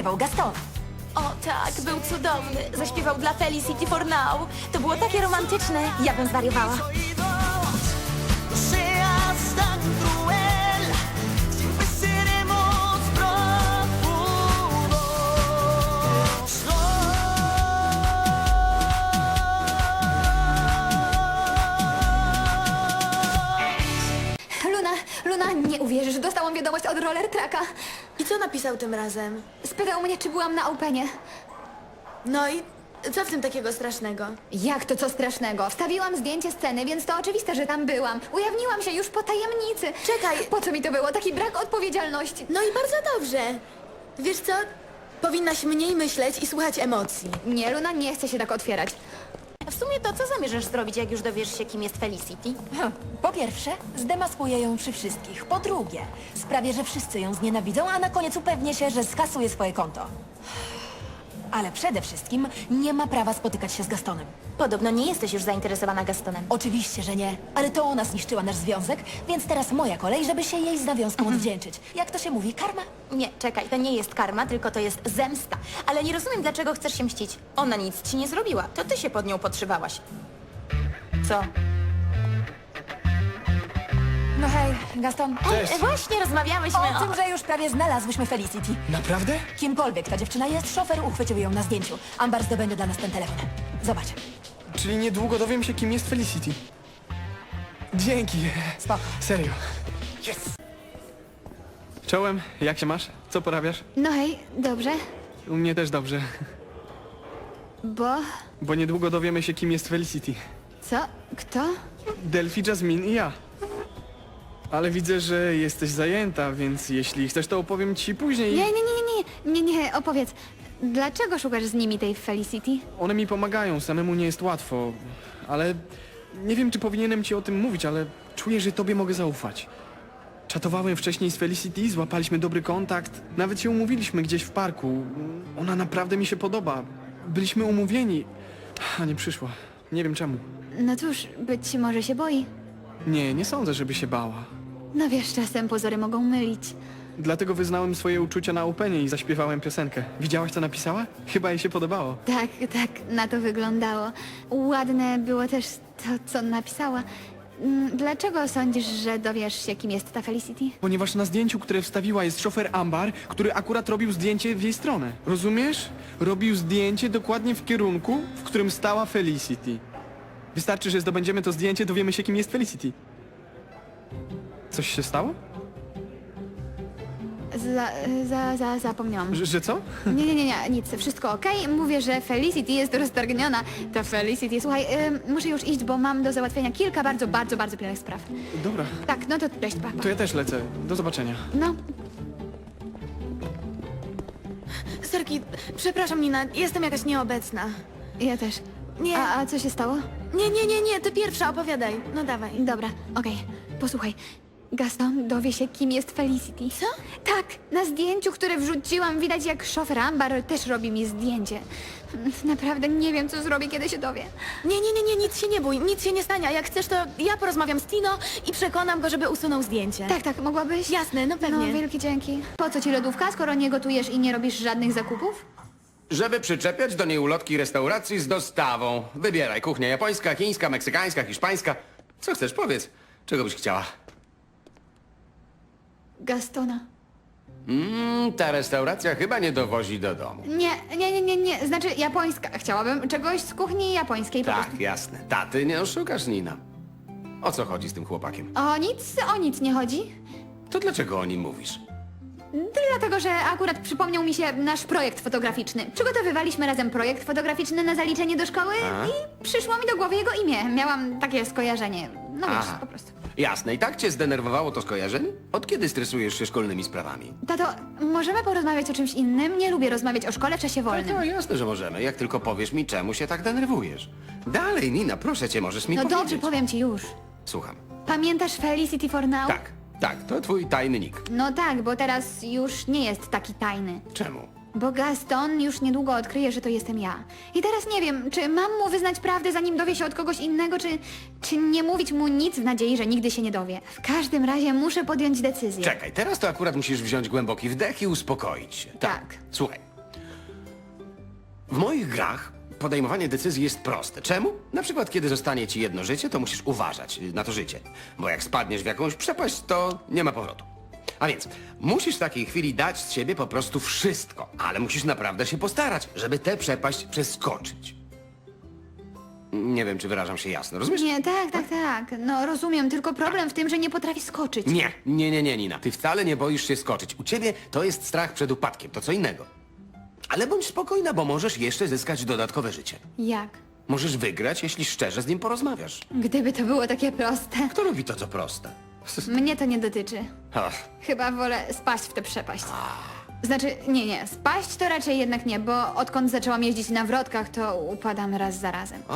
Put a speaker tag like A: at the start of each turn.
A: zaśpiewał Gaston.
B: O tak, był cudowny. Zaśpiewał dla Felicity for Now. To było takie romantyczne. Ja bym zwariowała.
C: No seas tan cruel, siempre seremos prófugos.
D: Luna, nie uwierzysz, dostałam wiadomość od Roller Tracka.
B: I co napisał tym razem?
D: Spytał mnie, czy byłam na Openie.
B: No i co w tym takiego strasznego?
D: Jak to co strasznego? Wstawiłam zdjęcie sceny, więc to oczywiste, że tam byłam. Ujawniłam się już po tajemnicy.
B: Czekaj.
D: Po co mi to było? Taki brak odpowiedzialności.
B: No i bardzo dobrze. Wiesz co? Powinnaś mniej myśleć i słuchać emocji.
D: Nie, Luna, nie chce się tak otwierać.
B: W sumie to co zamierzasz zrobić, jak już dowiesz się, kim jest Felicity?
A: Po pierwsze, zdemaskuję ją przy wszystkich. Po drugie, sprawię, że wszyscy ją znienawidzą, a na koniec upewnię się, że skasuje swoje konto. Ale przede wszystkim nie ma prawa spotykać się z Gastonem.
B: Podobno nie jesteś już zainteresowana Gastonem.
A: Oczywiście, że nie, ale to ona zniszczyła nasz związek, więc teraz moja kolej, żeby się jej z nawiązką odwdzięczyć. Jak to się mówi, karma?
B: Nie, czekaj, to nie jest karma, tylko to jest zemsta. Ale nie rozumiem, dlaczego chcesz się mścić. Ona nic ci nie zrobiła, to ty się pod nią podszywałaś. Co?
A: No hej, Gaston.
E: Cześć.
B: Właśnie rozmawiałyśmy
A: O tym, że już prawie znalazłyśmy Felicity.
E: Naprawdę?
A: Kimkolwiek ta dziewczyna jest, szofer uchwycił ją na zdjęciu. Ambar zdobędzie dla nas ten telefon. Zobacz.
E: Czyli niedługo dowiem się, kim jest Felicity. Dzięki.
A: Spoko.
E: Serio. Czołem, jak się masz? Co porabiasz?
D: No hej, dobrze,
E: U mnie też dobrze.
D: bo...
E: Bo niedługo dowiemy się, kim jest Felicity.
D: Co? Kto?
E: Delphi, Jasmine i ja. Ale widzę, że jesteś zajęta, więc jeśli chcesz, to opowiem ci później.
D: Nie, opowiedz. Dlaczego szukasz z nimi tej Felicity?
E: One mi pomagają, samemu nie jest łatwo. Ale nie wiem, czy powinienem ci o tym mówić, ale czuję, że tobie mogę zaufać. Czatowałem wcześniej z Felicity, złapaliśmy dobry kontakt, nawet się umówiliśmy gdzieś w parku. Ona naprawdę mi się podoba. Byliśmy umówieni, a nie przyszła. Nie wiem czemu.
D: No cóż, być może się boi.
E: Nie sądzę, żeby się bała.
D: No wiesz, czasem pozory mogą mylić.
E: Dlatego wyznałem swoje uczucia na Openie i zaśpiewałem piosenkę. Widziałaś, co napisała? Chyba jej się podobało.
D: Tak, na to wyglądało. Ładne było też to, co napisała. Dlaczego sądzisz, że dowiesz się, kim jest ta Felicity?
E: Ponieważ na zdjęciu, które wstawiła, jest szofer Ambar, który akurat robił zdjęcie w jej stronę. Rozumiesz? Robił zdjęcie dokładnie w kierunku, w którym stała Felicity. Wystarczy, że zdobędziemy to zdjęcie, dowiemy się, kim jest Felicity. Coś się stało?
D: Zapomniałam.
E: Że co?
D: Nie, nic, wszystko okej. Mówię, że Felicity jest roztargniona. Ta Felicity, słuchaj, muszę już iść, bo mam do załatwienia kilka bardzo pilnych spraw.
E: Dobra,
D: Tak, no to cześć, pa.
E: to ja też lecę. Do zobaczenia.
D: No,
B: Sorki, przepraszam Nina, jestem jakaś nieobecna.
D: ja też.
B: Nie.
D: A co się stało?
B: Nie, ty pierwsza opowiadaj. No dawaj.
D: Dobra, okej. Posłuchaj. Gaston dowie się, kim jest Felicity.
B: Co?
D: Tak, na zdjęciu, które wrzuciłam, widać jak szofer Ambar też robi mi zdjęcie. Naprawdę nie wiem, co zrobię, kiedy się dowie.
B: Nie, nic się nie bój, nic się nie stanie. A jak chcesz, to ja porozmawiam z Tino i przekonam go, żeby usunął zdjęcie.
D: Tak, mogłabyś?
B: Jasne, no pewnie.
D: No, wielkie dzięki. Po co ci lodówka, skoro nie gotujesz i nie robisz żadnych zakupów?
F: Żeby przyczepiać do niej ulotki restauracji z dostawą. Wybieraj, kuchnia japońska, chińska, meksykańska, hiszpańska. Co chcesz, powiedz. Czego byś chciała?
D: Gastona.
F: Ta restauracja chyba nie dowozi do domu.
D: Nie. Znaczy japońska. Chciałabym czegoś z kuchni japońskiej po prostu.
F: Tak, jasne. Taty nie oszukasz, Nina. O co chodzi z tym chłopakiem?
D: O nic nie chodzi.
F: To dlaczego o nim mówisz?
D: Dlatego, że akurat przypomniał mi się nasz projekt fotograficzny. Przygotowywaliśmy razem projekt fotograficzny na zaliczenie do szkoły i przyszło mi do głowy jego imię. Miałam takie skojarzenie. No wiesz,
F: Aha.
D: po prostu.
F: Jasne. I tak cię zdenerwowało to skojarzenie? Od kiedy stresujesz się szkolnymi sprawami?
D: Tato, możemy porozmawiać o czymś innym? Nie lubię rozmawiać o szkole w czasie wolnym.
F: No jasne, że możemy. Jak tylko powiesz mi, czemu się tak denerwujesz. Dalej, Nina, proszę cię, możesz mi
D: No
F: powiedzieć.
D: dobrze, powiem ci już.
F: Słucham.
D: Pamiętasz Felicity for Now?
F: Tak, to twój tajny nick.
D: No tak, bo teraz już nie jest taki tajny.
F: Czemu?
D: Bo Gaston już niedługo odkryje, że to jestem ja. I teraz nie wiem, czy mam mu wyznać prawdę, zanim dowie się od kogoś innego, czy nie mówić mu nic w nadziei, że nigdy się nie dowie. W każdym razie muszę podjąć decyzję.
F: Czekaj, teraz to akurat musisz wziąć głęboki wdech i uspokoić się.
D: Tak.
F: Słuchaj, W moich grach podejmowanie decyzji jest proste. Czemu? Na przykład, kiedy zostanie ci jedno życie, to musisz uważać na to życie. Bo jak spadniesz w jakąś przepaść, to nie ma powrotu. A więc musisz w takiej chwili dać z siebie po prostu wszystko. Ale musisz naprawdę się postarać, żeby tę przepaść przeskoczyć. Nie wiem, czy wyrażam się jasno. Rozumiesz?
D: Nie, tak. No rozumiem, tylko problem w tym, że nie potrafi skoczyć.
F: Nie, Nina. Ty wcale nie boisz się skoczyć. U ciebie to jest strach przed upadkiem, to co innego. Ale bądź spokojna, bo możesz jeszcze zyskać dodatkowe życie.
D: Jak?
F: Możesz wygrać, jeśli szczerze z nim porozmawiasz.
D: Gdyby to było takie proste.
F: Kto robi to, co proste?
D: Mnie to nie dotyczy.
F: Ach,
D: Chyba wolę spaść w tę przepaść. Znaczy, nie, spaść to raczej jednak nie, bo odkąd zaczęłam jeździć na wrotkach, to upadam raz za razem.